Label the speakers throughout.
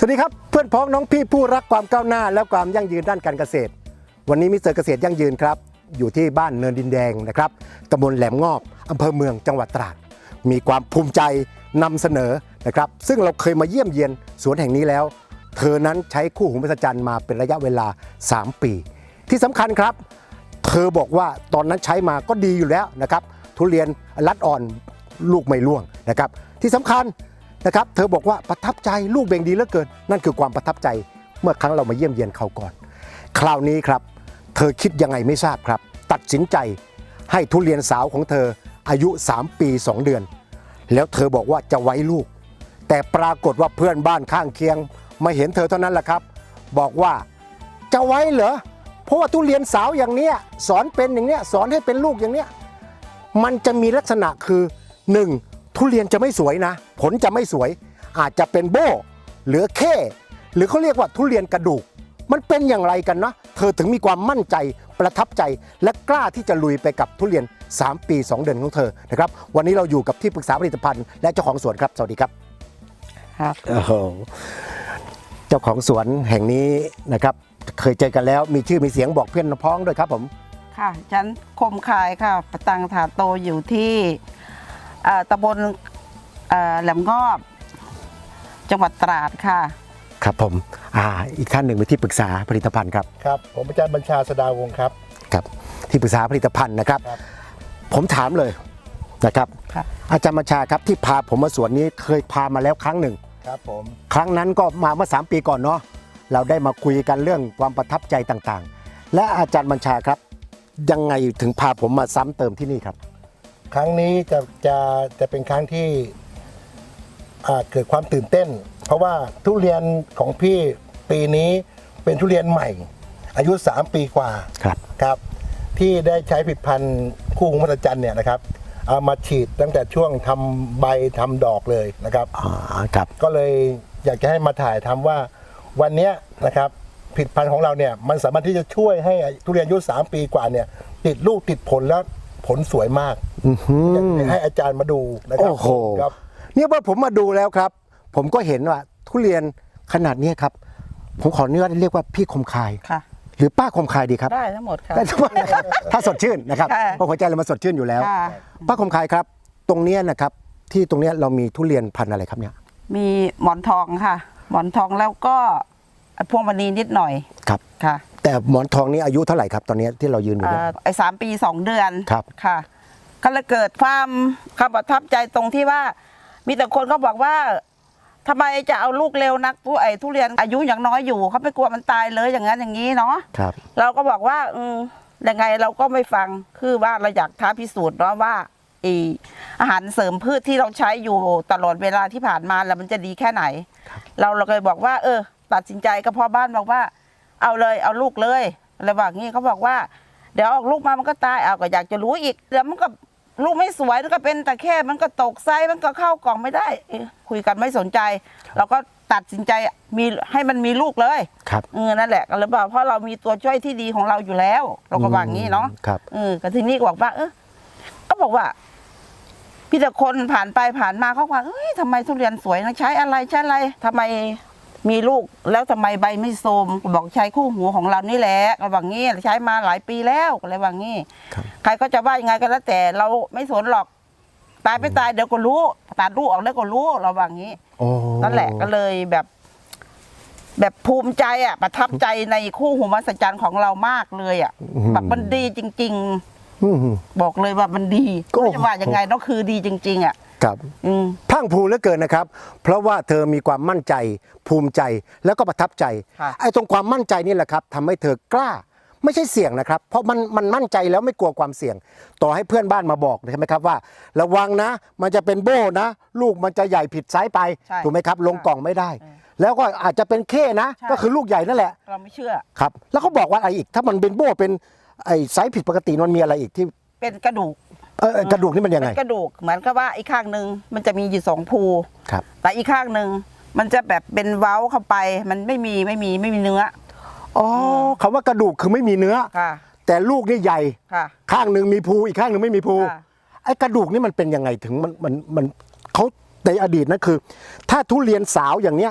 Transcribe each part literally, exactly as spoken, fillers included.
Speaker 1: สวัสดีครับเพื่อนพ้องน้องพี่ผู้รักความก้าวหน้าและความยั่งยืนด้านการเกษตรวันนี้มิสเตอร์เกษตรยั่งยืนครับอยู่ที่บ้านเนินดินแดงนะครับตำบลแหลมงอบอำเภอเมืองจังหวัดตราดมีความภูมิใจนำเสนอนะครับซึ่งเราเคยมาเยี่ยมเยียนสวนแห่งนี้แล้วเธอนั้นใช้คู่หูมหัศจรรย์มาเป็นระยะเวลาสามปีที่สำคัญครับเธอบอกว่าตอนนั้นใช้มาก็ดีอยู่แล้วนะครับทุเรียนรัดอ่อนลูกไม่ร่วงนะครับที่สำคัญนะครับเธอบอกว่าประทับใจลูกเบ่งดีเหลือเกินนั่นคือความประทับใจเมื่อครั้งเรามาเยี่ยมเยียนเขาก่อนคราวนี้ครับเธอคิดยังไงไม่ทราบครับตัดสินใจให้ทุเรียนสาวของเธออายุสามปีสองเดือนแล้วเธอบอกว่าจะไว้ลูกแต่ปรากฏว่าเพื่อนบ้านข้างเคียงมาเห็นเธอเท่านั้นแหละครับบอกว่าจะไว้เหรอเพราะว่าทุเรียนสาวอย่างเนี้ยสอนเป็นอย่างเนี้ยสอนให้เป็นลูกอย่างเนี้ยมันจะมีลักษณะคือหนึ่งทุเรียนจะไม่สวยนะผลจะไม่สวยอาจจะเป็นโบ้หรือเข้หรือเขาเรียกว่าทุเรียนกระดูกมันเป็นอย่างไรกันนะเธอถึงมีความมั่นใจประทับใจและกล้าที่จะลุยไปกับทุเรียนสามปีสองเดือนของเธอนะครับวันนี้เราอยู่กับที่ปรึกษาผลิตภัณฑ์และเจ้าของสวนครับสวัสดีครับ
Speaker 2: ครับ
Speaker 1: โอ้โหเจ้าของสวนแห่งนี้นะครับเคยเจอกันแล้วมีชื่อมีเสียงบอกเพื่อนพ้องด้วยครับผม
Speaker 2: ค่ะฉันคมคายค่ะประตังถาโตอยู่ที่ตำบลแหลมงอบจังหวัดตราดค่ะ
Speaker 1: ครับผมอ่าอีกท่านหนึ่งเป็นที่ปรึกษาผลิตภัณฑ์ครับ
Speaker 3: ครับผมอาจารย์บัญชาสดาวงศ์ครับ
Speaker 1: ครับที่ปรึกษาผลิตภัณฑ์นะครับผมถามเลยนะครับอาจารย์บัญชาครับที่พาผมมาสวนนี้เคยพามาแล้วครั้งหนึ่ง
Speaker 3: ครับผม
Speaker 1: ครั้งนั้นก็มาเมื่อสามปีก่อนเนาะเราได้มาคุยกันเรื่องความประทับใจต่างๆและอาจารย์บัญชาครับยังไงถึงพาผมมาซ้ำเติมที่นี่ครับ
Speaker 3: ครั้งนี้จะจะจะเป็นครั้งที่เกิดความตื่นเต้นเพราะว่าทุเรียนของพี่ปีนี้เป็นทุเรียนใหม่อายุสามปีกว่า
Speaker 1: ครับ
Speaker 3: ครับที่ได้ใช้ผลิตภัณฑ์คู่หูมหัศจรรย์เนี่ยนะครับเอามาฉีดตั้งแต่ช่วงทำใบทำดอกเลยนะครับ
Speaker 1: อ๋อครับ
Speaker 3: ก็เลยอยากจะให้มาถ่ายทำว่าวันนี้นะครับผลิตภัณฑ์ของเราเนี่ยมันสามารถที่จะช่วยให้ทุเรียนอายุสามปีกว่าเนี่ยติดลูกติดผลแล้วผลสวยมากอยากให้อาจารย์มาดูนะครับ
Speaker 1: โอ้โหเนี่ยว่าผมมาดูแล้วครับผมก็เห็นว่าทุเรียนขนาดนี้ครับผมขอเนื้อเรียกว่าพี่คมคายหรือป้าคมคายดีครับ
Speaker 2: ได้ทั้งหมดครับ
Speaker 1: ได้ทั้งหมดนะครับถ้าสดชื่นนะครับเพราะหัวใจเรามาสดชื่นอยู่แล้วป้าคมคายครับตรงนี้นะครับที่ตรงนี้เรามีทุเรียนพันธุ์อะไรครับเนี่ย
Speaker 2: มีหมอนทองค่ะหมอนทองแล้วก็พวงมณีนิดหน่อย
Speaker 1: ครับ
Speaker 2: ค่ะ
Speaker 1: แต่หมอนทองนี้อายุเท่าไหร่ครับตอนนี้ที่เรายืนอยู่เนี่ย
Speaker 2: ไอ้สามปีสองเดือน
Speaker 1: ครับ
Speaker 2: ค่ะก็เลยเกิดความความประทับใจตรงที่ว่ามีแต่คนเขาบอกว่าทำไมจะเอาลูกเร็วนักผู้ไอ้ทุเรียนอายุอย่างน้อยอยู่เขาไม่กลัวมันตายเลยอย่างนั้นอย่างนี้เนาะ
Speaker 1: ครับ
Speaker 2: เราก็บอกว่าอืมยังไงเราก็ไม่ฟังคือว่าเราอยากท้าพิสูจน์เนาะว่าอีอาหารเสริมพืชที่เราใช้อยู่ตลอดเวลาที่ผ่านมาแล้วมันจะดีแค่ไหนเราเราเลยบอกว่าเออตัดสินใจกับพ่อบ้านบอกว่าเอาเลยเอาลูกเลยอะไรแบบนี้เขาบอกว่าเดี๋ยวออกลูกมามันก็ตายเอาก็อยากจะรู้อีกเดี๋ยวมันก็ลูกไม่สวยมันก็เป็นแต่แค่มันก็ตกไซส์มันก็เข้ากล่องไม่ได้คุยกันไม่สนใจเราก็ตัดสินใจมีให้มันมีลูกเลย
Speaker 1: ครับ
Speaker 2: เออนั่นแหละก็เลยบอกเพราะเรามีตัวช่วยที่ดีของเราอยู่แล้วเราก็ว่างี้เนาะ
Speaker 1: ครับ
Speaker 2: เออก็ทีนี้ก็บอกว่าเออก็บอกว่าพี่แต่คนผ่านไปผ่านมาเขาว่าเฮ้ยทำไมทุเรียนสวยนะใช้อะไรใช้อะไรทำไมมีลูกแล้วทำไมใบไม่โทรมบอกใช้คู่หูของเรานี่แหละก็ว่างี้ใช้มาหลายปีแล้วก็เลยว่างี้ใครก็จะว่ายังไงก็แล้วแต่เราไม่สนหรอกตายไม่ตายเดี๋ยวก็รู้ตัดลูกออกแล้วก็รู้เราว่างี้นั่นแหละก็เลยแบบ แบบภูมิใจอ่ะประทับใจในคู่หูมหัศจรรย์ของเรามากเลยอ่ะแบบมันดีจริงๆบอกเลยว่ามันดีก็จะว่ายังไงก็คือดีจริงๆอ่ะ
Speaker 1: ครับพรั่งพรูเหลือเกินนะครับเพราะว่าเธอมีความมั่นใจภูมิใจแล้วก็ประทับใจไอ้ตรงความมั่นใจนี่แหละครับทำให้เธอกล้าไม่ใช่เสี่ยงนะครับเพราะมันมันมั่นใจแล้วไม่กลัวความเสี่ยงต่อให้เพื่อนบ้านมาบอกใช่ไหมครับว่าระวังนะมันจะเป็นโบ้นะลูกมันจะใหญ่ผิดไซส์ไปถูกไหมครับลงกล่องไม่ได้แล้วก็อาจจะเป็นเข้นะก็คือลูกใหญ่นั่นแหละ
Speaker 2: เราไม่เชื่อ
Speaker 1: ครับแล้วเขาบอกว่าอะไรอีกถ้ามันเป็นโบ้เป็นไอ้ไซส์ผิดปกติมันมีอะไรอีกที่
Speaker 2: เป็นกระดูก
Speaker 1: เออกระดูกนี่มันยังไง
Speaker 2: กระดูกเหมือนกับว่าอีกข้างหนึ่งมันจะมีอยู่สองภู
Speaker 1: ครับ
Speaker 2: แต่อีกข้างหนึ่งมันจะแบบเป็นเว้าเข้าไปมันไม่มีไม่มีไม่มีเนื้อ
Speaker 1: อ๋อคำว่ากระดูกคือไม่มีเนื้อแต่ลูกนี่ใหญ่ข้างหนึ่งมีภูอีกข้างหนึ่งไม่มีภูไอ้กระดูกนี่มันเป็นยังไงถึงมันมันมันเขาในอดีตนะคือถ้าทุเรียนสาวอย่างเนี้ย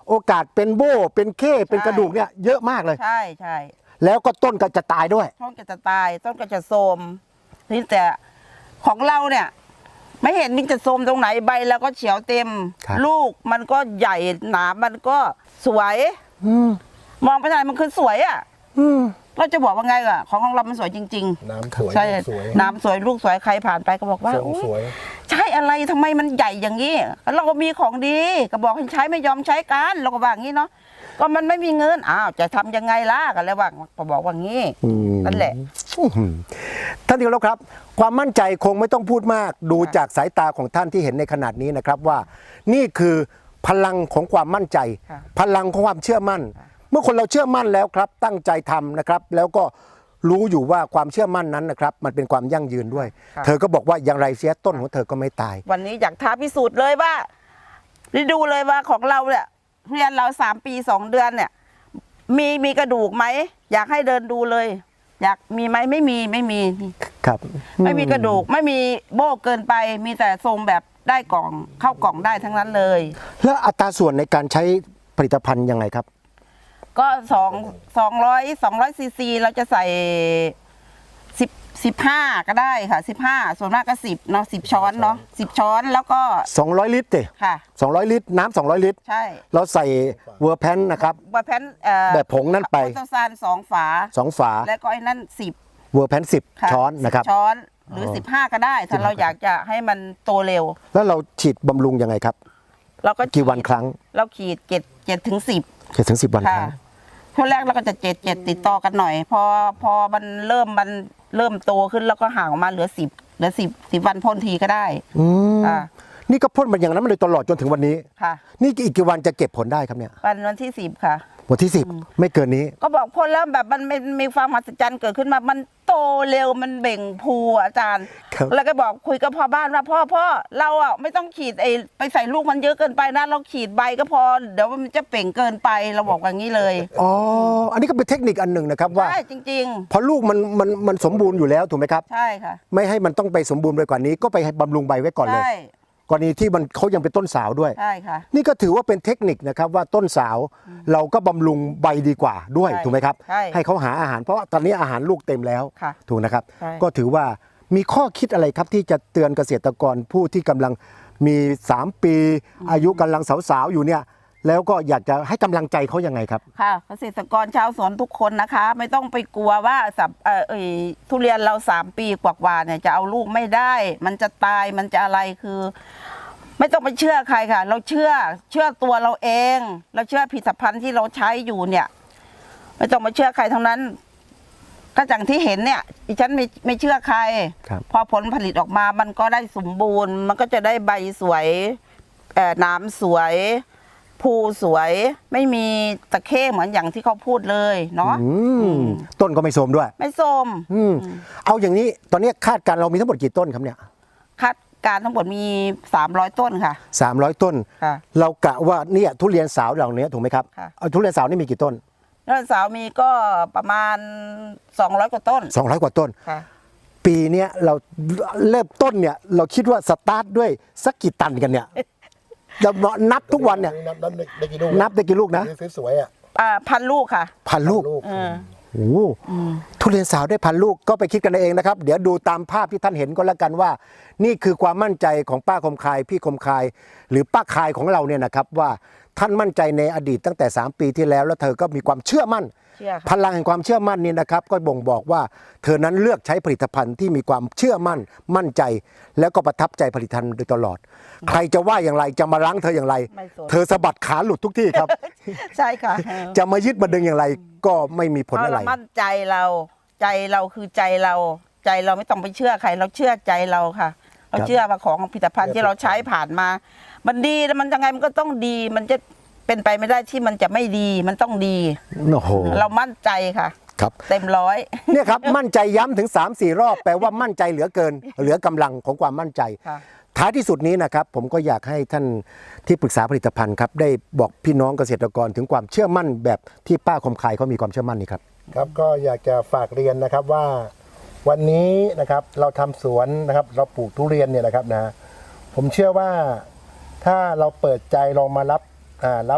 Speaker 1: โอกาสเป็นโบ้เป็นเข้เป็น
Speaker 2: ใช่
Speaker 1: กระดูกเนี่ยเยอะมากเลย
Speaker 2: ใช่ใช่
Speaker 1: แล้วก็ต้นก็จะตายด้วย
Speaker 2: ต้นก็จะตายต้นก็จะโทรมนี่แต่ของเราเนี่ย ไม่เห็นมันจะโทรมตรงไหนใบแล้วก็เขียวเต็ม
Speaker 1: ครับ
Speaker 2: ลูกมันก็ใหญ่หนามันก็สวย
Speaker 1: อืม
Speaker 2: มองไปทางไหนมันคือสวยอ่ะ
Speaker 1: อืม
Speaker 2: เราจะบอกว่าไงอ่ะของของเรามันสวยจริง
Speaker 3: น้ำสวย
Speaker 2: ๆ ใช่
Speaker 3: ลูกสวย
Speaker 2: น้ำสวยลูกสวยใครผ่านไปก็บอกว่า
Speaker 3: ทรง
Speaker 2: อุ๊ย
Speaker 3: สวย
Speaker 2: ใช่อะไรทำไมมันใหญ่อย่างนี้เราก็มีของดีก็บอกให้ใช้ไม่ยอมใช้กันเราก็ว่าอย่างนี้เนาะก็มันไม่มีเงินอ้าวจะทำยังไงล่ะกันแล้วว่าก็บอกว่างี้
Speaker 1: อืม
Speaker 2: นั่นแหละ
Speaker 1: อื้อหือท่านที่เคารพครับ ความมั่นใจคงไม่ต้องพูดมาก ดู
Speaker 2: ค่ะ
Speaker 1: จากสายตาของท่านที่เห็นในขนาดนี้นะครับว่า นี่คือพลังของความมั่นใจ
Speaker 2: ค่ะ
Speaker 1: พลังของความเชื่อมั่น เมื่อคนเราเชื่อมั่นแล้วครับ ตั้งใจทำนะครับ แล้วก็รู้อยู่ว่าความเชื่อมั่นนั้นนะครับ มันเป็นความยั่งยืนด้วย
Speaker 2: ค่ะ
Speaker 1: เธอก็บอกว่าอย่างไรเสียต้นของเธอก็ไม่ตาย
Speaker 2: วันนี้อยากท้าพิสูจน์เลยว่าได้ดูเลยว่าของเราเนี่ยเรียนเราสามปีสองเดือนเนี่ย มีมีกระดูกไหมอยากให้เดินดูเลย อยากมีไหมไม่มีไม่มี
Speaker 1: ครับ
Speaker 2: ไม่มีกระดูกไม่มีโบ้เกินไป มีแต่ทรงแบบได้กล่องเข้ากล่องได้ทั้งนั้นเลย
Speaker 1: แล้วอัตราส่วนในการใช้ผลิตภัณฑ์ยังไงครับ
Speaker 2: ก็สองสองร้อยสองร้อยซีซีเราจะใส่สิบสิบห้าก็ได้ค่ะสิบห้าส่วนมากก็สิบเนาะสิบช้อนเนาะสิบช้อนแล้วก็
Speaker 1: สองร้อยลิตรเต
Speaker 2: ค่ะ
Speaker 1: สองร้อยลิตรน้ำสองร้อยลิตร
Speaker 2: ใช่
Speaker 1: เราใส่เวอร์แพนนะครับ
Speaker 2: ว่าแพนเอ่อ
Speaker 1: แบบผงนั่นไป
Speaker 2: โอโตซานสองฝา
Speaker 1: สองฝา
Speaker 2: แล้วก็ไอ้นั่นสิบ
Speaker 1: เวอร์แพนสิบ
Speaker 2: ค่ะ
Speaker 1: ช้อนนะครับ
Speaker 2: สิช้อนหรือสิบห้าก็ได้ ถ้าเราอยากจะให้มันโตเร็ว
Speaker 1: แล้วเราฉีดบำรุงยังไงครับ
Speaker 2: เราก็
Speaker 1: กี่วันครั้ง
Speaker 2: เราขีดเจ็ดเจ็ดถึงสิบ
Speaker 1: เจ็ดถึงสิบวันค
Speaker 2: ค่ะ
Speaker 1: รั้ง
Speaker 2: ช่วงแรกเราก็จะเจ็ดเจ็ดติดต่อกันหน่อย พอพอมันเริ่มมันเริ่มโตขึ้นแล้วก็ห่างออกมาเหลือสิบเหลือสิบสิบวันพ่นทีก็ได้
Speaker 1: อืม
Speaker 2: อ่า
Speaker 1: นี่ก็พ่นมันอย่างนั้นมาเลยตลอดจนถึงวันนี้
Speaker 2: ค่ะ
Speaker 1: นี่อีกกี่วันจะเก็บผลได้ครับเนี่ย
Speaker 2: วันวันที่สิบค่ะ
Speaker 1: วันที่สิบไม่เกินนี้
Speaker 2: ก็บอกพ่นแล้วแบบมันมันมีความมหัศจรรย์เกิดขึ้นมา มันโตเร็วมันเบ่งพูอะอาจารย์
Speaker 1: ครับ
Speaker 2: แล้วก็บอกคุยกับพ่อบ้านว่าพ่อพ่อเราอ่ะไม่ต้องขีดไอ้ไปใส่ลูกมันเยอะเกินไปนะเราขีดใบก็พอเดี๋ยวมันจะเป่งเกินไปเราบอกอย่างนี้เลย
Speaker 1: อ๋ออันนี้ก็เป็นเทคนิคอันหนึ่งนะครับว่า
Speaker 2: ใช่จริง
Speaker 1: พอลูกมันมันมันสมบูรณ์อยู่แล้วถูกไหมครับ
Speaker 2: ๆ ใช่ค่ะ
Speaker 1: ไม่ให้มันต้องไปสมบูรณ์ไปกว่านี้ ก็ไปให้บำรุงใบไว้ก่อนเลย
Speaker 2: ใช่
Speaker 1: กรณีที่มันเขายังเป็นต้นสาวด้วย
Speaker 2: ใช่ค่ะ
Speaker 1: นี่ก็ถือว่าเป็นเทคนิคนะครับว่าต้นสาวเราก็บำรุงใบดีกว่าด้วย
Speaker 2: ใช่
Speaker 1: ถูกไหมครับ
Speaker 2: ใช่
Speaker 1: ให้เขาหาอาหารเพราะว่าตอนนี้อาหารลูกเต็มแล้ว
Speaker 2: ค่ะ
Speaker 1: ถูกนะครับ
Speaker 2: ใช่
Speaker 1: ก็ถือว่ามีข้อคิดอะไรครับที่จะเตือนเกษตรกรผู้ที่กำลังมี สาม ปี อายุกำลังสาวๆอยู่เนี่ยแล้วก็อยากจะให้กำลังใจเขายังไงครับ
Speaker 2: ค่ะเกษตรกรชาวสวนทุกคนนะคะ ไม่ต้องไปกลัวว่าสับเอ่อเอยทุเรียนเราสามปีกว่าๆเนี่ยจะเอาลูกไม่ได้ มันจะตายมันจะอะไรคือ ไม่ต้องไปเชื่อใครค่ะ เราเชื่อเชื่อตัวเราเอง เราเชื่อผลิตภัณฑ์ที่เราใช้อยู่เนี่ย ไม่ต้องมาเชื่อใครทั้งนั้น ก็อย่างที่เห็นเนี่ยดิฉันไม่ไม่เชื่อใคร
Speaker 1: ครับ
Speaker 2: พอผลผลิตออกมามันก็ได้สมบูรณ์ มันก็จะได้ใบสวยเอ่อน้ำสวย ภูสวย ไม่มีตะเข้เหมือนอย่างที่เขาพูดเลยเนาะ
Speaker 1: อืมต้นก็ไม่โทรมด้วย
Speaker 2: ไม่ส้ม
Speaker 1: อืมเอาอย่างนี้ตอนนี้คาดการณ์เรามีทั้งหมดกี่ต้นครับเนี่ย
Speaker 2: คาดการณ์ทั้งหมดมีสามร้อยต้นค่ะ
Speaker 1: สามร้อยต้น
Speaker 2: ค่ะ
Speaker 1: เรากะว่าเนี่ยทุเรียนสาวเหล่านี้ถูกไหมครับ
Speaker 2: ค่ะ
Speaker 1: เอาทุเรียนสาวนี่มีกี่ต้น
Speaker 2: แล้วสาวมีก็ประมาณสองร้อยกว่าต้น
Speaker 1: สองร้อยกว่าต้น
Speaker 2: ค่ะ
Speaker 1: ปีเนี้ยเราเริ่มต้นเนี่ยเราคิดว่าสตาร์ทด้วยสักกี่ตันกันเนี่ยเรานับทุกวันเนี่ย
Speaker 3: นับนับได้กี่ลูก
Speaker 1: นับได้กี่ลูกนะ
Speaker 3: สวยๆอ่ะ
Speaker 2: อ่าพันลูกค่ะ
Speaker 1: พันลูก
Speaker 3: ลูก
Speaker 2: เออ
Speaker 1: โอ้โหทุเรียนสาวได้พันลูกก็ไปคิดกันเองนะครับ เดี๋ยวดูตามภาพที่ท่านเห็นก็แล้วกันว่า นี่คือความมั่นใจของป้าคมคายพี่คมคาย หรือป้าคายของเราเนี่ยนะครับว่าท่านมั่นใจในอดีตตั้งแต่สามปีที่แล้ว แล้วเธอก็มีความเชื่อมั่น
Speaker 2: เชื่อ
Speaker 1: พ
Speaker 2: ค่ะ
Speaker 1: ลังแห่งความเชื่อมั่นนี่นะครับก็บ่งบอกว่าเธอนั้นเลือกใช้ผลิตภัณฑ์ที่มีความเชื่อมั่นมั่นใจ แล้วก็ประทับใจผลิตภัณฑ์โดยตลอด ใครจะว่าอย่างไรจะมารั้งเธออย่างไร
Speaker 2: ไม่สน
Speaker 1: เธอสะบัดขาหลุดทุกที่ครับ
Speaker 2: ใช่ค่ะ
Speaker 1: จะมายึดมาดึงอย่างไรก็ไม่มีผล
Speaker 2: เพราะ
Speaker 1: อะไร
Speaker 2: เรามั่นใจเรา ใจเราคือใจเรา ใจเราไม่ต้องไปเชื่อใคร เราเชื่อใจเราค่ะ เราเชื่อว่าของผลิตภัณฑ์ที่เราใช้ผ่านมา มันดีแล้วมันยังไงมันก็ต้องดี มันจะเป็นไปไม่ได้ที่มันจะไม่ดีมันต้องดี
Speaker 1: โอ้โห
Speaker 2: เรามั่นใจค่ะ
Speaker 1: ครับ
Speaker 2: เต็มร้อย
Speaker 1: เนี่ยครับ มั่นใจย้ำถึง สามสี่ รอบแปลว่ามั่นใจเหลือเกิน เหลือกำลังของความมั่นใจ
Speaker 2: ค่ะ
Speaker 1: ท้ายที่สุดนี้นะครับผมก็อยากให้ท่านที่ปรึกษาผลิตภัณฑ์ครับได้บอกพี่น้องเกษตรกรถึงความเชื่อมั่นแบบที่ป้าคมคายเขามีความเชื่อมั่นนี่ครับ
Speaker 3: ครับก็อยากจะฝากเรียนนะครับว่าวันนี้นะครับเราทำสวนนะครับเราปลูกทุเรียนเนี่ยนะครับนะผมเชื่อว่าถ้าเราเปิดใจลองมารับอ่ารับ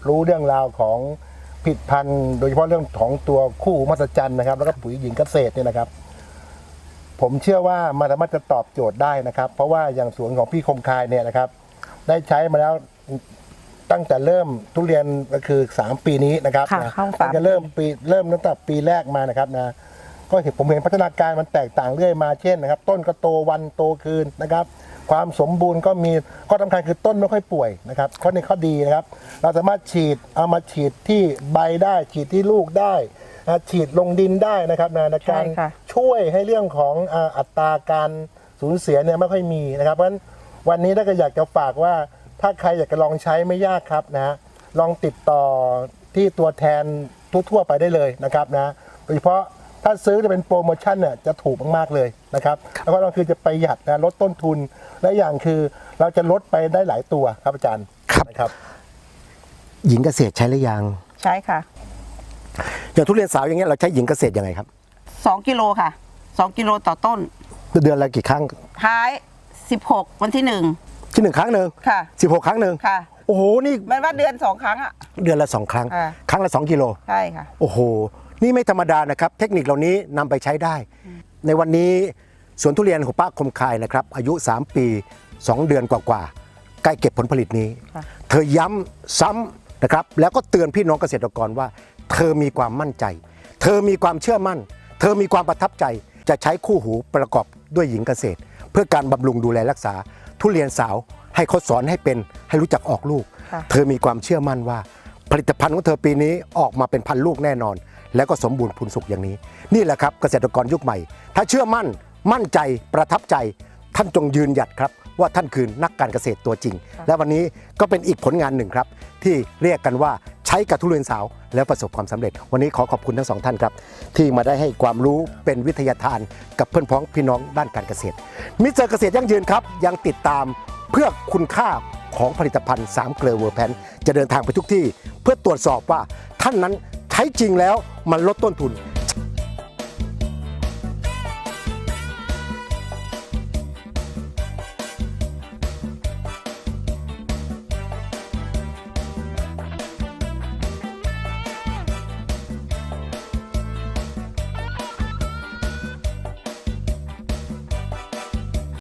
Speaker 3: รู้เรื่องราวของผลิตภัณฑ์โดยเฉพาะเรื่องของตัวคู่หูมหัศจรรย์นะครับแล้วก็ปุ๋ยหญิงเกษตรเนี่ยนะครับ ผมเชื่อว่ามันสามารถจะตอบโจทย์ได้นะครับ เพราะว่าอย่างสวนของพี่คมคายเนี่ยนะครับ ได้ใช้มาแล้วตั้งแต่เริ่มทุเรียนก็คือสามปีนี้นะครับ
Speaker 2: ค่ะ
Speaker 3: นะ
Speaker 2: เข้าสาม
Speaker 3: ตั้งแต่เริ่มปีเริ่มตั้งแต่ปีแรกมานะครับนะก็เห็นผมเห็นพัฒนาการมันแตกต่างเรื่อยมาเช่นนะครับ ต้นก็โตวันโตคืนนะครับ ความสมบูรณ์ก็มีข้อสำคัญคือต้นไม่ค่อยป่วยนะครับข้อนี้ข้อดีนะครับ เราสามารถฉีดเอามาฉีดที่ใบได้ฉีดที่ลูกได้นะฉีดลงดินได้นะครับนะในการ
Speaker 2: ใช่ค่ะ
Speaker 3: ช่วยให้เรื่องของอ่าอัตราการสูญเสียเนี่ยไม่ค่อยมีนะครับเพราะฉะนั้นวันนี้ถ้าเกิดอยากจะฝากว่าถ้าใครอยากจะลองใช้ไม่ยากครับนะลองติดต่อที่ตัวแทนทั่วๆไปได้เลยนะครับนะโดยเฉพาะถ้าซื้อจะเป็นโปรโมชั่นเนี่ยจะถูกมากๆเลยนะครับแล้วก็เราคือจะประหยัดนะลดต้นทุนและอย่างคือเราจะลดไปได้หลายตัวครับอาจารย์
Speaker 1: ครับ
Speaker 3: นะครับ
Speaker 1: หญิงเกษตรใช้หรือยัง
Speaker 2: ใช่ค่ะ
Speaker 1: อย่างทุเรียนสาวอย่างเงี้ยเราใช้หญิงเกษตรยังไงครับ
Speaker 2: สองกิโลค่ะสองกิโลต่อต้น
Speaker 1: เดือนละกี่ครั้ง
Speaker 2: ท้ายสิบหกวันที่หนึ่ง
Speaker 1: ที่หนึ่งครั้งหนึ่ง
Speaker 2: ค่ะ
Speaker 1: สิบหกครั้งหนึ่ง
Speaker 2: ค่ะ
Speaker 1: โอ้โหนี่
Speaker 2: มันว่าเดือนสองครั้งอ่ะ
Speaker 1: เดือนละสองครั้ง
Speaker 2: อ่า
Speaker 1: ครั้งละสองกิโล
Speaker 2: ใช่ค่ะ
Speaker 1: โอ้โห นี่ไม่ธรรมดานะครับ เทคนิคเหล่านี้นำไปใช้ได้ ในวันนี้สวนทุเรียนของป้าคมคายนะครับ อายุ สาม ปี สอง เดือนกว่าๆใกล้เก็บผลผลิตนี้
Speaker 2: ค่ะ
Speaker 1: เธอย้ำซ้ำนะครับ แล้วก็เตือนพี่น้องเกษตรกรว่า เธอมีความมั่นใจ เธอมีความเชื่อมั่น เธอมีความประทับใจ จะใช้คู่หูประกอบด้วยหญิงเกษตร เพื่อการบำรุงดูแลรักษา ทุเรียนสาวให้เขาสอนให้เป็นให้รู้จักออกลูก
Speaker 2: ค่ะ
Speaker 1: เธอมีความเชื่อมั่นว่า ผลิตภัณฑ์ของเธอปีนี้ออกมาเป็นพันลูกแน่นอน แล้วก็สมบูรณ์พูนสุขอย่างนี้ นี่แหละครับเกษตรกรยุคใหม่ ถ้าเชื่อมั่น มั่นใจประทับใจ ท่านจงยืนหยัดครับ ว่าท่านคือนักการเกษตรตัวจริง และวันนี้ก็เป็นอีกผลงานหนึ่งครับ ที่เรียกกันว่าใช้กับทุเรียนสาวแล้วประสบความสำเร็จ วันนี้ขอขอบคุณทั้งสองท่านครับ ที่มาได้ให้ความรู้เป็นวิทยาทานกับเพื่อนพ้องพี่น้องด้านการเกษตร มิสเตอร์เกษตรยั่งยืนครับยังติดตามเพื่อคุณค่าของผลิตภัณฑ์สามเกลือเวอร์แพนจะเดินทางไปทุกที่ เพื่อตรวจสอบว่าท่านนั้นใช้จริงแล้วมันลดต้นทุน